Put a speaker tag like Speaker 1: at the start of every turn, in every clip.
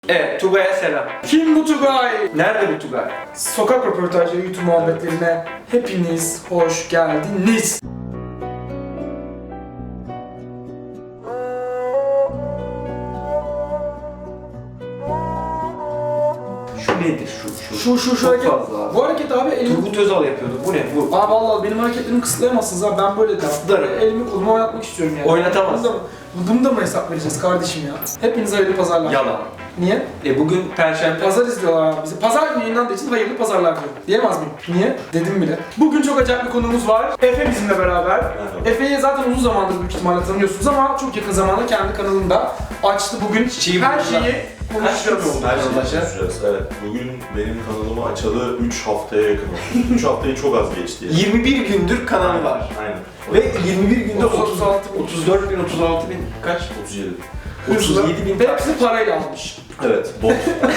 Speaker 1: Evet, Tugay'a selam.
Speaker 2: Kim bu Tugay?
Speaker 1: Nerede bu Tugay?
Speaker 2: Sokak röportajları YouTube muhabbetlerine hepiniz hoş geldiniz.
Speaker 1: Şu nedir şu?
Speaker 2: Şu
Speaker 1: Çok
Speaker 2: hareket.
Speaker 1: fazla abi.
Speaker 2: Bu hareket abi elimi...
Speaker 1: Turgut Özal yapıyordu. Bu ne bu?
Speaker 2: Abi vallahi benim hareketlerimi kısıtlayamazsınız abi. Ben böyle
Speaker 1: Kısıtlarım.
Speaker 2: elimi kolumu oynatmak istiyorum yani.
Speaker 1: Oynatamaz.
Speaker 2: Bunu da mı hesap vereceğiz kardeşim ya? Hepinize hayırlı pazarlar.
Speaker 1: Yalan.
Speaker 2: Niye?
Speaker 1: Bugün Perşembe.
Speaker 2: Pazar izliyorlar abi bizi. Pazar günü yayınlandığı için hayırlı pazarlar diyorum. Diyemez miyim? Niye? Dedim bile. Bugün çok acayip bir konuğumuz var. Efe bizimle beraber. Efe'yi zaten uzun zamandır büyük ihtimalle tanıyorsunuz ama çok yakın zamanda kendi kanalında açtı. Bugün her şeyi konuşacağız.
Speaker 3: Her şeyi konuşacağız, evet. Bugün benim kanalımı açalı 3 haftaya yakın oldu. 3 haftayı çok az geçti yani.
Speaker 1: 21 gündür kanalı var.
Speaker 3: Aynen.
Speaker 1: Ve 21 günde
Speaker 2: 36
Speaker 1: 34 bin, 36 bin kaç?
Speaker 3: 37.
Speaker 1: 37 bin.
Speaker 2: Hepsi parayla almış.
Speaker 3: Evet, bot.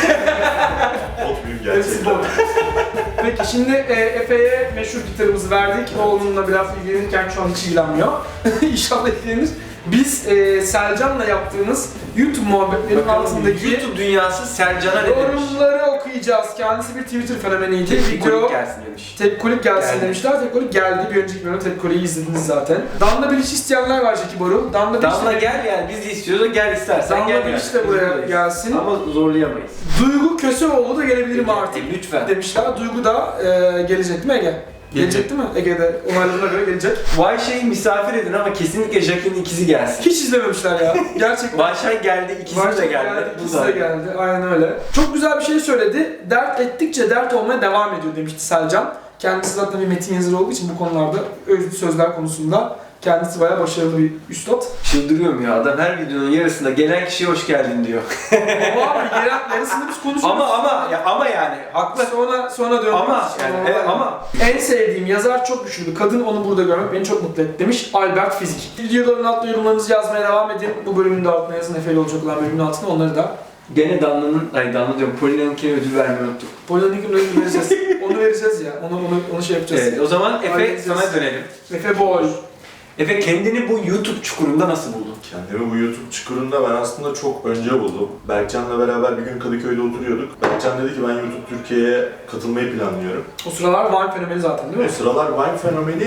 Speaker 3: Bot büyük
Speaker 2: Hepsi
Speaker 3: gerçekten.
Speaker 2: bot. Peki şimdi Efe'ye meşhur gitarımızı verdik. O onunla biraz ilgilenirken şu an hiç ilgilenmiyor. İnşallah ilgilenir. Biz Selcan'la yaptığımız YouTube muhabbetlerinin altındaki
Speaker 1: YouTube dünyası Selcan'a ne demiş?
Speaker 2: yorumları okuyacağız. Kendisi bir Twitter fenomeniydi.
Speaker 1: Tepkolik gelsin demiş.
Speaker 2: Tepkolik gelsin
Speaker 1: Geldi.
Speaker 2: demişler. Tepkolik geldi. Bir önceki bölümde Tepkolik'i izlediniz zaten. Damla Bilic isteyenler var Jackie Baru. Damla
Speaker 1: Damla
Speaker 2: Bilic
Speaker 1: gel yani biz de istiyoruz gel istersen
Speaker 2: Damla
Speaker 1: gel.
Speaker 2: Bilic de buraya gelsin.
Speaker 1: Ama zorlayamayız.
Speaker 2: Duygu Köseoğlu da gelebilir mi artık?
Speaker 1: Lütfen.
Speaker 2: Demişler. Duygu da gelecek değil mi Ege? Gelecek değil mi? Ege'de onaylarına göre gelecek.
Speaker 1: Vayşay'ı misafir edin ama kesinlikle Jack'in ikizi gelsin.
Speaker 2: Hiç izlememişler ya. Gerçekten.
Speaker 1: Vayşay geldi, ikisi de geldi.
Speaker 2: İkisi de geldi. Aynen öyle. Çok güzel bir şey söyledi. Dert ettikçe dert olmaya devam ediyor demişti Selcan. Kendisi zaten bir metin yazarı olduğu için bu konularda özlü sözler konusunda kendisi bayağı başarılı bir üstad.
Speaker 1: Çıldırıyorum ya adam her videonun yarısında gelen kişiye hoş geldin diyor.
Speaker 2: Ama abi yarısını biz konuşuyoruz.
Speaker 1: ama yani haklı.
Speaker 2: Sonra dönüyoruz.
Speaker 1: Ama yani ama
Speaker 2: En sevdiğim yazar çok güçlü. Kadın onu burada görmek beni çok mutlu etti demiş Albert Fizik. Videoların altına yorumlarınızı yazmaya devam edin. Bu bölümün de altına yazın. Efe'yle olacak olan bölümün altına onları da.
Speaker 1: gene Damla diyorum Polina'nınkine ödül vermeyi unuttuk.
Speaker 2: Polyan'ın ödülünü vereceğiz. Onu vereceğiz ya. Onu şey yapacağız.
Speaker 1: Evet o zaman Efe
Speaker 2: Halledeceğiz.
Speaker 1: sana dönelim.
Speaker 2: Efe Boy.
Speaker 1: Efe kendini bu YouTube çukurunda nasıl buldun?
Speaker 3: Kendimi bu YouTube çukurunda ben aslında çok önce buldum. Berkcan'la beraber bir gün Kadıköy'de oturuyorduk. Berkcan dedi ki ben YouTube Türkiye'ye katılmayı planlıyorum.
Speaker 2: O sıralar Vine fenomeni zaten değil mi?
Speaker 3: O sıralar Vine fenomeni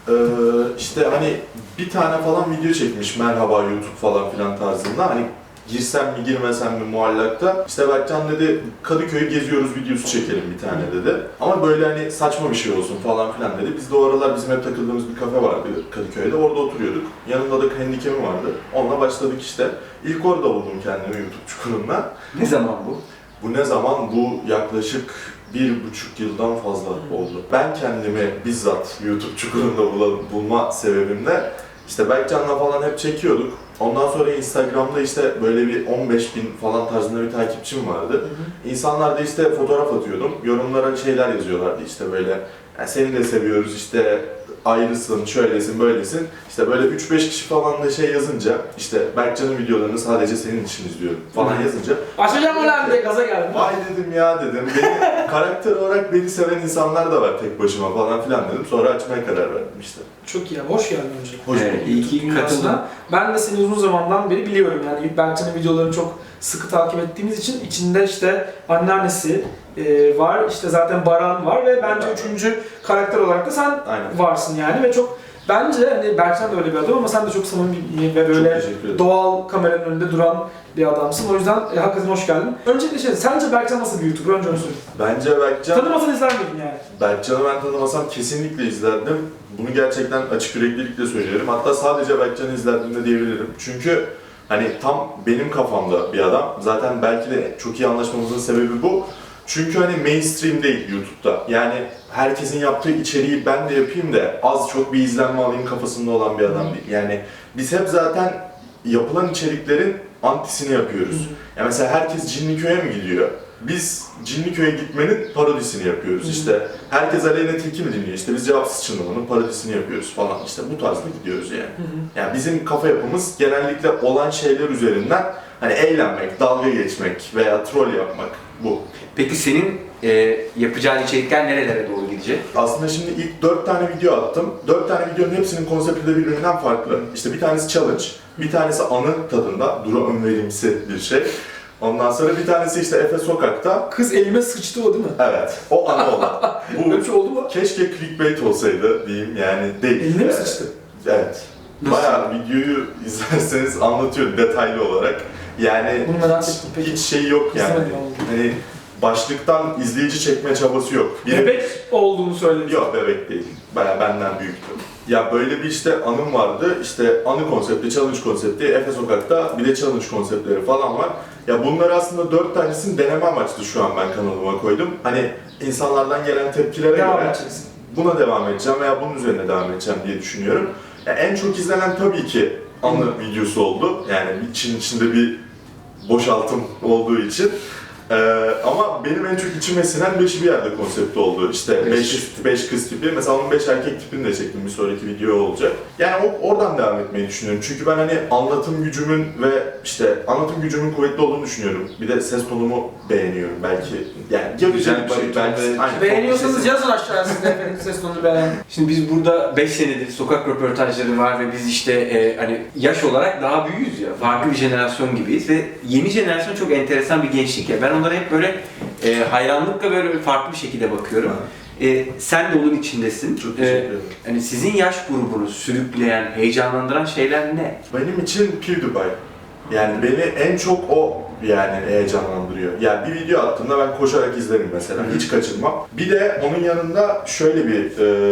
Speaker 3: işte hani bir tane falan video çekmiş merhaba YouTube falan filan tarzında. Hani girsem mi girmesem mi muallakta. İşte Berkcan dedi Kadıköy'ü geziyoruz videosu çekelim bir tane dedi. Ama böyle hani saçma bir şey olsun falan filan dedi. Biz de o aralar bizim hep takıldığımız bir kafe vardı Kadıköy'de. Orada oturuyorduk. Yanında da handicam'i vardı. Onunla başladık işte. İlk orada buldum kendimi YouTube çukurunda.
Speaker 1: Ne zaman bu?
Speaker 3: Bu ne zaman? Bu yaklaşık 1,5 yıldan fazla oldu. Ben kendimi bizzat YouTube çukurunda bulma sebebim de işte Berkcan'la falan hep çekiyorduk. Ondan sonra Instagram'da işte böyle bir 15 bin falan tarzında bir takipçim vardı. İnsanlar da işte fotoğraf atıyordum. Yorumlara şeyler yazıyorlardı işte böyle yani seni de seviyoruz işte ayrısın, şöylesin, böylesin. İşte böyle 3-5 kişi falan da şey yazınca işte Berkcan'ın videolarını sadece senin için izliyorum falan yazınca
Speaker 2: Açacağım ulan diye gaza geldim.
Speaker 3: vay dedim ya dedim. Karakter olarak beni seven insanlar da var tek başıma falan filan dedim. Sonra açmaya karar verdim işte.
Speaker 2: Çok iyi. Hoş geldin önce.
Speaker 3: Hoş
Speaker 1: Evet,
Speaker 3: bulduk.
Speaker 1: iyi ki
Speaker 2: Dünyasına.
Speaker 1: katıldın.
Speaker 2: Ben de seni uzun zamandan beri biliyorum yani Berkcan'ın videolarını çok sıkı takip ettiğimiz için içinde işte anneannesi var, işte zaten Baran var ve bence üçüncü karakter olarak da sen
Speaker 3: Aynen.
Speaker 2: varsın yani ve çok bence hani Berkcan da öyle bir adam ama sen de çok samimi ve böyle
Speaker 3: teşekkür ederim.
Speaker 2: doğal kameranın önünde duran bir adamsın. O yüzden hakikaten hoş geldin. Öncelikle sence Berkcan nasıl bir YouTuber? Önce onu söyle.
Speaker 3: Bence
Speaker 2: Tanımasan izler miydin yani?
Speaker 3: Berkcan'ı ben tanımasam kesinlikle izlerdim. Bunu gerçekten açık yüreklilikle söylüyorum. Hatta sadece Berkcan'ı izlerdim de diyebilirim. Çünkü hani tam benim kafamda bir adam. Zaten belki de çok iyi anlaşmamızın sebebi bu. Çünkü hani mainstream değil YouTube'da. Yani herkesin yaptığı içeriği ben de yapayım da az çok bir izlenme alayım kafasında olan bir adam değil. Yani biz hep zaten yapılan içeriklerin antisini yapıyoruz. Yani mesela herkes Cinliköy'e mi gidiyor? Biz Cinliköy'e gitmenin parodisini yapıyoruz. İşte herkes Aleyna Tilki mi dinliyor? İşte biz Cevapsız Çınlamanın parodisini yapıyoruz falan. İşte bu tarzda gidiyoruz yani. Yani bizim kafa yapımız genellikle olan şeyler üzerinden hani eğlenmek, dalga geçmek veya troll yapmak bu.
Speaker 1: Peki senin yapacağın içerikler nerelere doğru gidecek?
Speaker 3: Aslında şimdi ilk 4 tane video attım. 4 tane videonun hepsinin konsepti de birbirinden farklı. İşte bir tanesi challenge, bir tanesi anı tadında, dura önverimsi bir şey. Ondan sonra bir tanesi işte Efe Sokak'ta.
Speaker 2: Kız elime sıçtı o değil mi?
Speaker 3: Evet, o ana olan. Bu
Speaker 2: Böyle bir şey oldu mu?
Speaker 3: keşke clickbait olsaydı diyeyim yani değil.
Speaker 2: Eline mi sıçtı?
Speaker 3: Evet.
Speaker 1: Nasıl?
Speaker 3: Bayağı videoyu izlerseniz anlatıyorum detaylı olarak. Yani
Speaker 2: Bunu merak ettim peki.
Speaker 3: hiç şey yok yani.
Speaker 2: İzlemedim ama.
Speaker 3: Hani başlıktan izleyici çekme çabası yok.
Speaker 2: Bebek olduğunu söyledi.
Speaker 3: Yok, bebek değil. Bayağı benden büyüktü. Ya böyle bir işte anım vardı. İşte anı konsepti, challenge konsepti, Efe Sokak'ta bir de challenge konseptleri falan var. Ya bunlar aslında 4 tanesini deneme amaçlı şu an ben kanalıma koydum. Hani insanlardan gelen tepkilere
Speaker 2: Devam
Speaker 3: göre
Speaker 2: edeceksin.
Speaker 3: buna devam edeceğim veya bunun üzerine devam edeceğim diye düşünüyorum. Ya en çok izlenen tabii ki anı videosu oldu. Yani içinde bir boşaltım olduğu için. Ama benim en çok içime sinen 5'i bir yerde konsepti oldu. İşte 5 kız tipi. Mesela onun 5 erkek tipini de çektim, bir sonraki video olacak. Yani oradan devam etmeyi düşünüyorum. Çünkü ben hani anlatım gücümün ve işte anlatım gücümün kuvvetli olduğunu düşünüyorum. Bir de ses tonumu beğeniyorum belki. Yani ya
Speaker 1: Güzel bir şey.
Speaker 3: belki. Aynen.
Speaker 2: Beğeniyorsanız yazın aşağıya siz de efendim ses tonunu beğen.
Speaker 1: Şimdi biz burada 5 senedir sokak röportajları var ve biz işte hani yaş olarak daha büyüğüz ya. Farklı bir jenerasyon gibiyiz ve yeni jenerasyon çok enteresan bir gençlik ya. Ben onlara hep böyle hayranlıkla böyle farklı bir şekilde bakıyorum. Sen de onun içindesin.
Speaker 3: Çok teşekkür ederim.
Speaker 1: Hani sizin yaş grubunu sürükleyen, heyecanlandıran şeyler ne?
Speaker 3: Benim için PewDiePie. Yani beni en çok o yani heyecanlandırıyor. Yani bir video attığımda ben koşarak izlerim mesela, hiç kaçırmam. Bir de onun yanında şöyle bir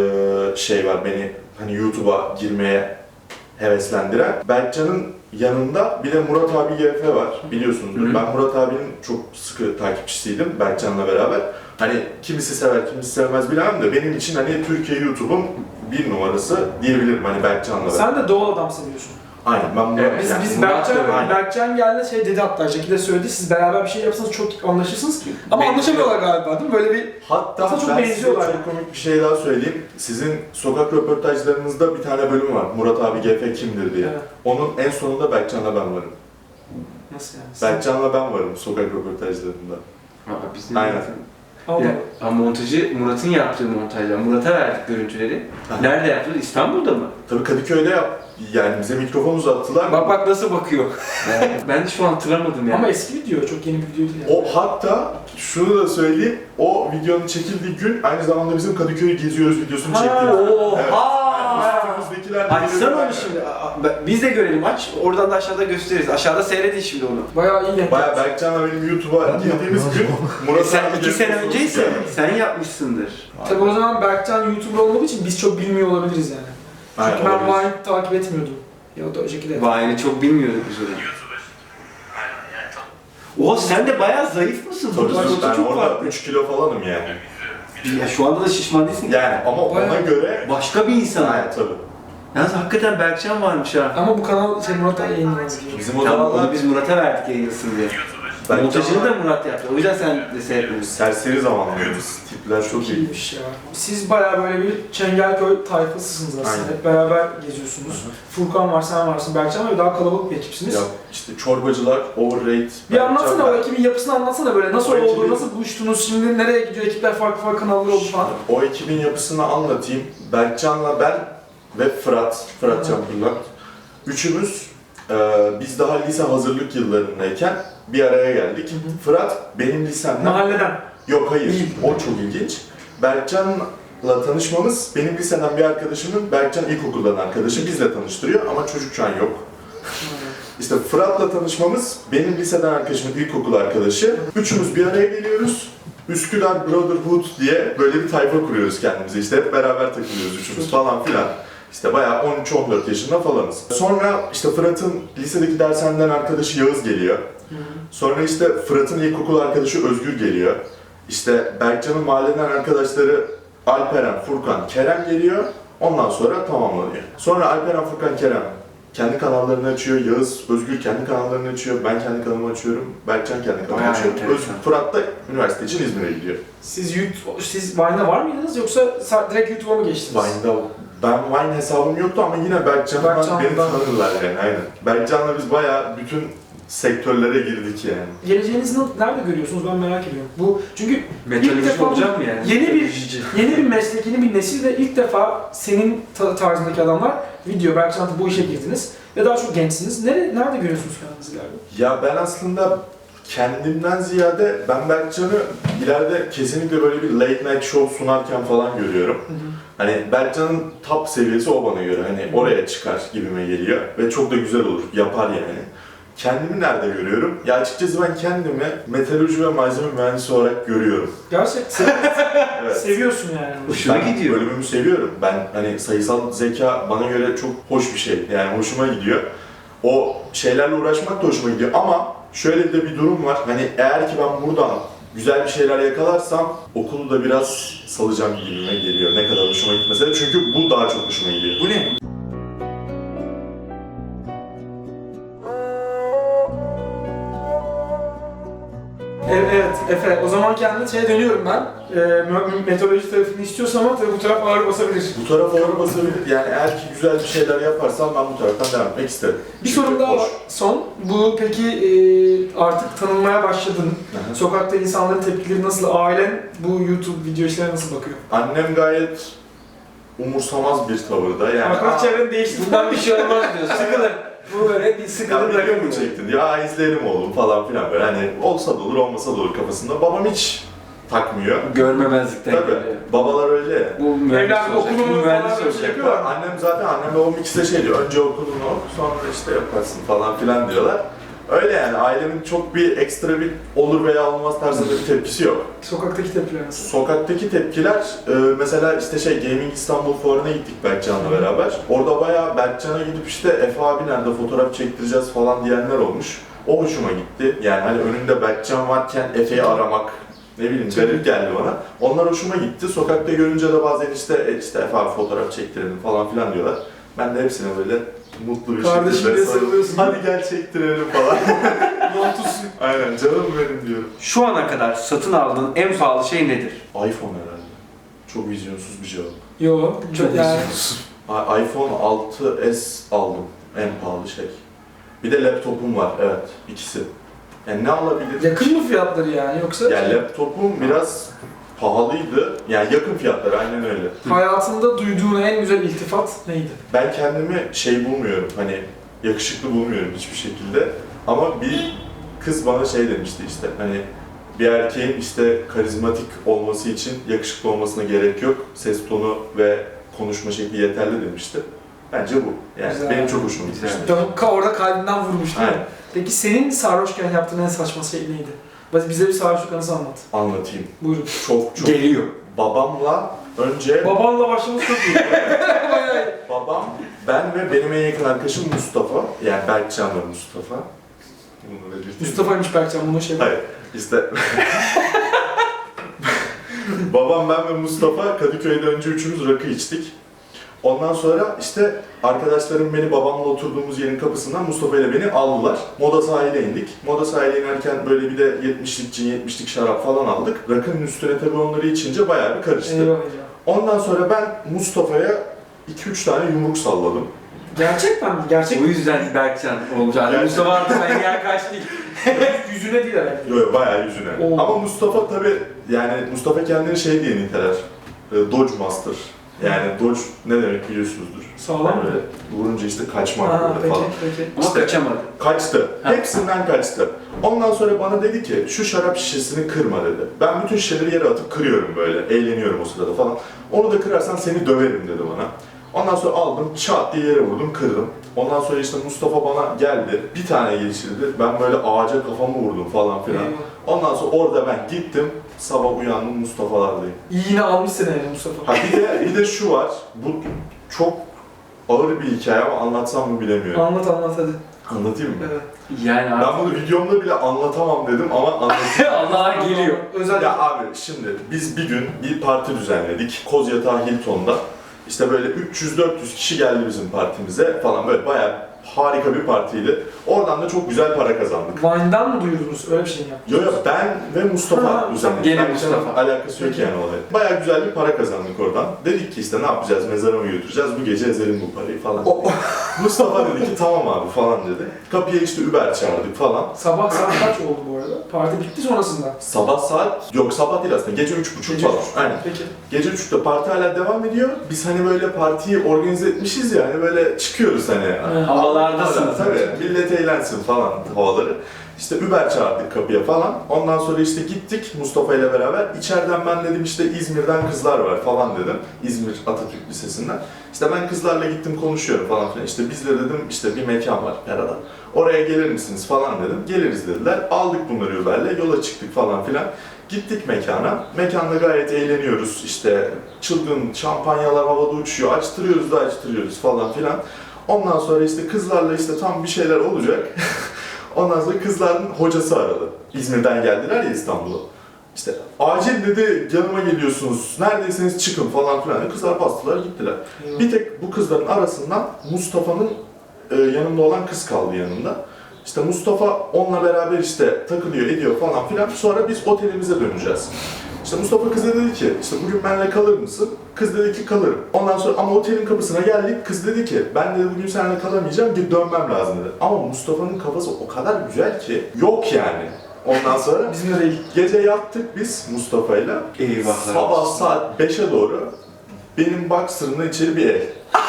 Speaker 3: şey var beni hani YouTube'a girmeye heveslendiren. Berkcan'ın yanında bir de Murat abi GF var, biliyorsunuzdur. Ben Murat abinin çok sıkı takipçisiydim Berkcan'la beraber. Hani kimisi sever, kimisi sevmez bilemem de benim için hani Türkiye YouTube'un bir numarası diyebilirim hani Berkcan'la beraber.
Speaker 2: Sen de doğal adam seviyorsun.
Speaker 3: Aynen, ben Murat,
Speaker 1: Evet,
Speaker 3: yani
Speaker 2: Biz
Speaker 3: Murat da aynen.
Speaker 2: Berkcan geldi şey dedi hatta Jackie de söyledi siz beraber bir şey yapsanız çok anlaşırsınız ki. Ama
Speaker 1: Benziyor.
Speaker 2: anlaşamıyorlar galiba değil mi? Böyle bir
Speaker 3: Hatta
Speaker 2: aslında çok
Speaker 3: ben size
Speaker 2: benziyorlar.
Speaker 3: çok komik bir şey daha söyleyeyim. Sizin sokak röportajlarınızda bir tane bölüm var. Murat abi GF kimdir diye.
Speaker 2: Evet.
Speaker 3: Onun en sonunda Berkcan'la ben varım.
Speaker 2: Nasıl yani?
Speaker 3: Berkcan'la ben varım sokak röportajlarında.
Speaker 1: Bizim
Speaker 3: Aynen.
Speaker 2: Allah.
Speaker 1: Ya, ama montajı Murat'ın yaptığı montajlar. Murat'a verdik görüntüleri.
Speaker 3: Aha.
Speaker 1: Nerede yaptılar? İstanbul'da mı?
Speaker 3: Tabii Kadıköy'de yani bize mikrofon uzattılar.
Speaker 1: Bak nasıl bakıyor. Ben de şu an hatırlamadım yani.
Speaker 2: Ama eski video çok yeni bir video değil yani.
Speaker 3: O hatta şunu da söyleyeyim. O videonun çekildiği gün aynı zamanda bizim Kadıköy'ü geziyoruz videosunu
Speaker 2: Ha,
Speaker 3: çektiğimiz.
Speaker 1: Oha!
Speaker 3: Üstümüzdekiler de
Speaker 1: Açsana
Speaker 3: geliyor.
Speaker 1: onu şimdi. Biz de görelim, aç. Oradan da aşağıda gösteririz. Aşağıda seyredin şimdi onu.
Speaker 2: Bayağı iyi denk.
Speaker 3: Baya Berkcan'la benim YouTube'a girdiğimiz gün Murat
Speaker 1: Sen
Speaker 3: abi
Speaker 1: 2 sene
Speaker 3: gelip
Speaker 1: önceyse
Speaker 3: yani.
Speaker 1: sen yapmışsındır.
Speaker 2: Tabii o zaman Berkcan YouTuber olmadığı için biz çok bilmiyor olabiliriz yani.
Speaker 3: Aynen,
Speaker 2: Çünkü ben
Speaker 3: olabilir.
Speaker 2: Vine takip etmiyordum. Ya da o şekilde.
Speaker 1: Vine'i çok bilmiyorduk biz onu. Oha sen de bayağı zayıf mısın?
Speaker 3: Tabii
Speaker 1: Burada
Speaker 3: ben
Speaker 1: çok
Speaker 3: orada
Speaker 1: farklı.
Speaker 3: 3 kilo falanım yani.
Speaker 1: Ya şu anda da şişman değilsin.
Speaker 3: Yani ama ona
Speaker 2: Bayağı-
Speaker 3: göre...
Speaker 1: Başka bir insan.
Speaker 3: Aynen tabii.
Speaker 1: Yalnız hakikaten Berkcan varmış ha.
Speaker 2: Ama bu kanal Murat Ali yayınlanmaz diyor.
Speaker 3: Bizim o
Speaker 1: Tamam
Speaker 3: zamanlar
Speaker 1: onu biz Murat'a verdik yayınlasın diye. Montajını da Murat yaptı. O yüzden sen de seyretmiyorsun.
Speaker 3: serseri zamanlarımız. Tipler çok iyi.
Speaker 2: İyiymiş ya. Siz bayağı böyle bir Çengelköy tayfasısınız aslında.
Speaker 3: Aynen.
Speaker 2: Hep beraber geziyorsunuz. Furkan var, sen varsın, Berkcan var ve daha kalabalık bir ekipsiniz.
Speaker 3: Ya işte çorbacılar, overrate.
Speaker 2: Bir anlatsana o ekibin yapısını anlatsana böyle. Nasıl
Speaker 3: O
Speaker 2: oldu,
Speaker 3: ekibin-
Speaker 2: nasıl buluştunuz, şimdi nereye gidiyor ekipler, farklı farklı kanallar oldu falan.
Speaker 3: O ekibin yapısını anlatayım. Berkcan'la ben ve Fırat Çampırlak. Üçümüz biz daha lise hazırlık yıllarındayken bir araya geldik. Fırat benim lisemden...
Speaker 2: Mahalleden.
Speaker 3: Yok hayır,
Speaker 2: Değil.
Speaker 3: o çok ilginç. Berkcan'la tanışmamız benim liseden bir arkadaşımın Berkcan ilkokuldan arkadaşı bizle tanıştırıyor ama çocuk şu an yok. İşte Fırat'la tanışmamız benim liseden arkadaşımın ilkokul arkadaşı. Üçümüz bir araya geliyoruz. Üsküdar Brotherhood diye böyle bir tayfa kuruyoruz kendimize. İşte hep beraber takılıyoruz üçümüz falan filan. İşte bayağı 13-14 yaşında falanız. Sonra işte Fırat'ın lisedeki dershaneden arkadaşı Yağız geliyor. Sonra işte Fırat'ın ilkokul arkadaşı Özgür geliyor. İşte Berkcan'ın mahalleden arkadaşları Alperen, Furkan, Kerem geliyor. Ondan sonra tamamlanıyor. Sonra Alperen, Furkan, Kerem kendi kanallarını açıyor. Yağız, Özgür kendi kanallarını açıyor. Ben kendi kanalımı açıyorum. Berkcan kendi kanalını
Speaker 1: Bayağı
Speaker 3: açıyor.
Speaker 1: enteresan.
Speaker 3: Fırat da üniversite için İzmir'e gidiyor.
Speaker 2: Siz Vine'da var mıydınız yoksa direkt YouTube'a mı geçtiniz?
Speaker 3: Vine'da ben Vine hesabım yoktu ama yine Berkcan'dan beni
Speaker 2: Berkcan'dan.
Speaker 3: tanırlar yani aynen. Berkcan'la biz bayağı bütün sektörlere girdik yani.
Speaker 2: Geleceğinizi nerede görüyorsunuz ben merak ediyorum. Bu çünkü ilk
Speaker 1: Metaloloji
Speaker 2: defa
Speaker 1: olacak mı yani?
Speaker 2: yeni bir meslek, yeni bir nesil ve ilk defa senin tarzındaki adamlar video, Berkcan'da bu işe girdiniz ve daha çok gençsiniz. Nerede görüyorsunuz kendinizi ileride?
Speaker 3: Ya ben aslında kendimden ziyade ben Berkcan'ı ileride kesinlikle böyle bir late night show sunarken falan görüyorum. Hani Berkcan'ın top seviyesi o bana göre. Hani oraya çıkar gibime geliyor ve çok da güzel olur. Yapar yani. Kendimi nerede görüyorum? Ya açıkçası ben kendimi metalurji ve malzeme mühendisi olarak görüyorum.
Speaker 2: Gerçekten
Speaker 3: Evet.
Speaker 2: seviyorsun yani.
Speaker 1: Hoşuna
Speaker 3: Ben
Speaker 1: gidiyor.
Speaker 3: bölümümü seviyorum. Ben hani sayısal zeka bana göre çok hoş bir şey. Yani hoşuma gidiyor. O şeylerle uğraşmak da hoşuma gidiyor ama şöyle de bir durum var. Hani eğer ki ben buradan güzel bir şeyler yakalarsam okulu da biraz salacağım gibime geliyor. Ne kadar hoşuma gitmese de çünkü bu daha çok hoşuma gidiyor.
Speaker 1: Bu ne?
Speaker 2: Evet Efe, o zaman kendi şeye dönüyorum ben. Meteoroloji tarafını istiyorsan ama tabii bu taraf ağır basabilir.
Speaker 3: Bu taraf ağır basabilir. Yani eğer ki güzel bir şeyler yaparsam ben bu taraftan devam etmek isterim.
Speaker 2: Bir
Speaker 3: Çünkü
Speaker 2: sorum daha
Speaker 3: hoş.
Speaker 2: var. Son. Bu peki artık tanınmaya başladın.
Speaker 3: Hı hı.
Speaker 2: Sokakta insanların tepkileri nasıl? Ailen bu YouTube video işlerine nasıl bakıyor?
Speaker 3: Annem gayet umursamaz bir tavırda. Yani
Speaker 2: Arkadaş çevren değişti.
Speaker 1: Bundan bir şey olmaz diyor. Sıkılır. Bu böyle bir
Speaker 3: ya
Speaker 1: sıkılır
Speaker 3: video
Speaker 1: bırakır
Speaker 3: mu çektin? Ya izleyelim oğlum falan filan böyle hani olsa da olur olmasa da olur kafasında. Babam hiç takmıyor.
Speaker 1: Görmemezlikten
Speaker 3: Tabii.
Speaker 1: geliyor.
Speaker 3: Babalar öyle.
Speaker 1: Bu mühendis
Speaker 2: Evladım
Speaker 1: olacak.
Speaker 2: okulumu
Speaker 1: Bu mühendis
Speaker 2: falan böyle
Speaker 1: olacak.
Speaker 2: şey yapıyorlar.
Speaker 3: Annem babam ikisi de şey diyor. Önce okulunu oku sonra işte yaparsın falan filan diyorlar. Öyle yani ailemin çok bir ekstra bir olur veya olmaz tarzında bir tepkisi yok.
Speaker 2: Sokaktaki tepkiler nasıl?
Speaker 3: Sokaktaki tepkiler mesela işte Gaming İstanbul Fuarı'na gittik Berkcan'la beraber. Orada bayağı Berkcan'a gidip işte Efe abi nerede fotoğraf çektireceğiz falan diyenler olmuş. O hoşuma gitti. Yani hani önünde Berkcan varken Efe'yi aramak ne bileyim garip geldi bana. Onlar hoşuma gitti. Sokakta görünce de bazen işte Efe abi fotoğraf çektirelim falan filan diyorlar. Ben de hepsine böyle mutlu bir
Speaker 2: Kardeşim
Speaker 3: şekilde
Speaker 2: diye
Speaker 3: sarılıp,
Speaker 2: sarılıyorsun.
Speaker 3: hadi gel çektirelim falan.
Speaker 2: Montusun.
Speaker 3: Aynen canım benim diyorum.
Speaker 1: Şu ana kadar satın aldığın en pahalı şey nedir?
Speaker 3: iPhone herhalde. Çok vizyonsuz bir cevap.
Speaker 2: Yo,
Speaker 1: Çok
Speaker 2: yani
Speaker 3: iPhone 6s aldım. En pahalı şey. Bir de laptopum var. Evet. ikisi. Yani ne alabilir?
Speaker 2: yakın mı fiyatları yani yoksa
Speaker 3: Yani laptopum biraz pahalıydı. Yani yakın fiyatları aynen öyle.
Speaker 2: hayatında duyduğun en güzel iltifat neydi?
Speaker 3: Ben kendimi şey bulmuyorum. Hani yakışıklı bulmuyorum hiçbir şekilde. Ama bir kız bana şey demişti işte hani bir erkeğin işte karizmatik olması için yakışıklı olmasına gerek yok. Ses tonu ve konuşma şekli yeterli demişti. Bence bu. Yani
Speaker 2: Güzel.
Speaker 3: benim çok hoşuma
Speaker 1: Güzel.
Speaker 3: gitmişti.
Speaker 2: Orada kalbinden vurmuş değil mi?
Speaker 3: Aynen.
Speaker 2: Peki senin sarhoşken yaptığın en saçma şey neydi? Bize bir sarhoşluk anısı anlat.
Speaker 3: Anlatayım.
Speaker 2: Buyurun.
Speaker 3: Çok
Speaker 1: Geliyor.
Speaker 3: babamla önce
Speaker 2: Babanla başlaması çok iyi. Bayağı iyi.
Speaker 3: babam, ben ve benim en yakın arkadaşım Mustafa. Yani Berkcan ve Mustafa. Bunu belirteyim.
Speaker 2: Mustafa'ymış Berkcan bunu şey.
Speaker 3: Hayır, işte babam, ben ve Mustafa Kadıköy'de önce üçümüz rakı içtik. Ondan sonra işte arkadaşlarım beni babamla oturduğumuz yerin kapısından Mustafa ile beni aldılar. Moda sahile indik. Moda sahile inerken böyle bir de 70'lik cin, 70'lik şarap falan aldık. Rakının üstüne tabii onları içince bayağı bir karıştı.
Speaker 2: Eyvah eyvah.
Speaker 3: Ondan sonra ben Mustafa'ya 2-3 tane yumruk salladım.
Speaker 2: Gerçekten mi? Gerçek
Speaker 1: O yüzden Berkcan olacak.
Speaker 3: Gerçekten.
Speaker 1: Mustafa artık engel kaç değil.
Speaker 2: yüzüne değil herhalde.
Speaker 3: Yok yok bayağı yüzüne.
Speaker 2: Oo.
Speaker 3: Ama Mustafa tabii yani Mustafa kendini şey diye niteler. Dodge Master. Yani Dodge ne demek biliyorsunuzdur.
Speaker 2: Sağlam mı?
Speaker 3: Böyle vurunca işte kaçmak
Speaker 2: Ha,
Speaker 3: böyle
Speaker 2: peki
Speaker 3: falan.
Speaker 2: peki.
Speaker 1: Ama
Speaker 3: İşte-
Speaker 1: kaçamadı.
Speaker 3: Kaçtı.
Speaker 1: Ha.
Speaker 3: Hepsinden kaçtı. Ondan sonra bana dedi ki şu şarap şişesini kırma dedi. Ben bütün şişeleri yere atıp kırıyorum böyle. Eğleniyorum o sırada falan. Onu da kırarsan seni döverim dedi bana. Ondan sonra aldım çat diye yere vurdum kırdım. Ondan sonra işte Mustafa bana geldi. Bir tane geçirdi. Ben böyle ağaca kafamı vurdum falan filan.
Speaker 2: Eyvah.
Speaker 3: Ondan sonra orada ben gittim. Sabah uyandım Mustafa'lardayım.
Speaker 2: İyi yine almış seni yani Mustafa.
Speaker 3: Ha bir de şu var. Bu çok ağır bir hikaye ama anlatsam mı bilemiyorum.
Speaker 2: Anlat hadi.
Speaker 3: Anlatayım mı?
Speaker 2: Evet.
Speaker 1: Yani
Speaker 3: Ben
Speaker 1: artık
Speaker 3: bunu videomda bile anlatamam dedim ama anlatayım.
Speaker 1: Allah'a geliyor.
Speaker 2: Özel.
Speaker 3: Ya abi şimdi biz bir gün bir parti düzenledik. Kozyatağı Hilton'da. İşte böyle 300-400 kişi geldi bizim partimize falan böyle bayağı harika bir partiydi. Oradan da çok güzel para kazandık.
Speaker 2: Vine'dan mı duyurdunuz? Öyle bir şey mi yaptınız?
Speaker 3: Yo ben ve Mustafa
Speaker 2: Ha,
Speaker 3: düzenledik.
Speaker 1: gene
Speaker 3: Ben
Speaker 1: Mustafa.
Speaker 3: canım alakası yok yani olay. Bayağı güzel bir para kazandık oradan. Dedik ki işte ne yapacağız, mezara mı götüreceğiz, bu gece ezelim bu parayı falan. Mustafa dedi ki tamam abi falan dedi. Kapıya işte Uber çağırdık falan.
Speaker 2: Sabah saat kaç oldu bu arada? Parti bitti sonrasında.
Speaker 3: Sabah saat, yok sabah değil aslında, gece 3.30
Speaker 2: Gece
Speaker 3: falan.
Speaker 2: üç.
Speaker 3: Aynen.
Speaker 2: Peki.
Speaker 3: Gece 3'te parti hala devam ediyor. Biz hani böyle partiyi organize etmişiz ya, hani böyle çıkıyoruz hani.
Speaker 1: Havalardasınız.
Speaker 3: Tabii, millet eğlensin falan havaları. İşte Uber çağırdık kapıya falan. Ondan sonra işte gittik Mustafa ile beraber. İçeriden ben dedim işte İzmir'den kızlar var falan dedim. İzmir Atatürk Lisesi'nden. İşte ben kızlarla gittim konuşuyorum falan filan. İşte bizde dedim işte bir mekan var Yara'da. Oraya gelir misiniz falan dedim. Geliriz dediler. Aldık bunları Uber'le yola çıktık falan filan. Gittik mekana. Mekanda gayet eğleniyoruz. İşte çılgın şampanyalar havada uçuyor. Açtırıyoruz falan filan. Ondan sonra işte kızlarla işte tam bir şeyler olacak. Ondan sonra kızların hocası aradı. İzmir'den geldiler ya İstanbul'a. İşte acil dedi yanıma geliyorsunuz, neredeyseniz çıkın falan filan. Kızlar bastılar gittiler. Bir tek bu kızların arasından Mustafa'nın yanında olan kız kaldı yanında. İşte Mustafa onunla beraber işte takılıyor ediyor falan filan. Sonra biz otelimize döneceğiz. İşte Mustafa kıza dedi ki, işte bugün benimle kalır mısın? Kız dedi ki kalırım. Ondan sonra ama otelin kapısına geldik. Kız dedi ki ben dedi bugün seninle kalamayacağım, gidip dönmem lazım dedi. Ama Mustafa'nın kafası o kadar güzel ki yok yani. Ondan sonra
Speaker 2: Bizimle değil.
Speaker 3: gece yattık biz Mustafa'yla.
Speaker 1: Eyvahlar
Speaker 3: Sabah
Speaker 1: olsun.
Speaker 3: saat 5'e doğru benim boxer'ımla içeri bir el.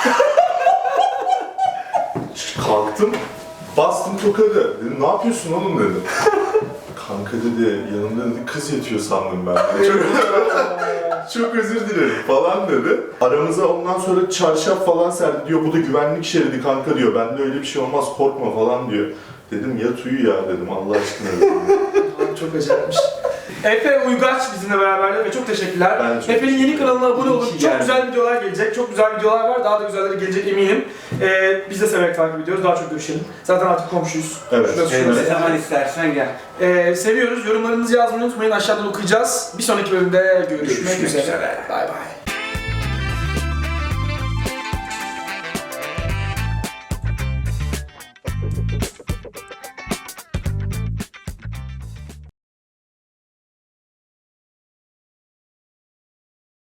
Speaker 3: Kalktım, bastım tokadı. Dedim ne yapıyorsun oğlum dedim. Kanka dedi, yanımda dedi kız yatıyor sandım ben. Dedi. Çok özür dilerim falan dedi. Aramıza ondan sonra çarşaf falan serdi diyor. Bu da güvenlik şeridi kanka diyor. Bende öyle bir şey olmaz korkma falan diyor. Dedim yat uyu ya dedim Allah aşkına dedim.
Speaker 2: Çok acayipmiş. Efe Uygaç bizimle beraberdi ve çok teşekkürler.
Speaker 3: Ben çok
Speaker 2: Efe'nin yeni
Speaker 3: teşekkür
Speaker 2: kanalına abone olun.
Speaker 1: İyi ki
Speaker 2: Çok
Speaker 1: geldin.
Speaker 2: güzel videolar gelecek. Çok güzel videolar var. Daha da güzelleri gelecek eminim. Biz de severek takip ediyoruz. Daha çok görüşelim. Zaten artık komşuyuz.
Speaker 3: Evet.
Speaker 2: Şurası
Speaker 1: Evet,
Speaker 2: şurası.
Speaker 1: ne zaman istersen gel.
Speaker 2: Seviyoruz. Yorumlarınızı yazmayı unutmayın. Aşağıdan okuyacağız. Bir sonraki bölümde görüşmek
Speaker 1: Görüşmek
Speaker 2: üzere.
Speaker 1: üzere.
Speaker 2: Bay bay.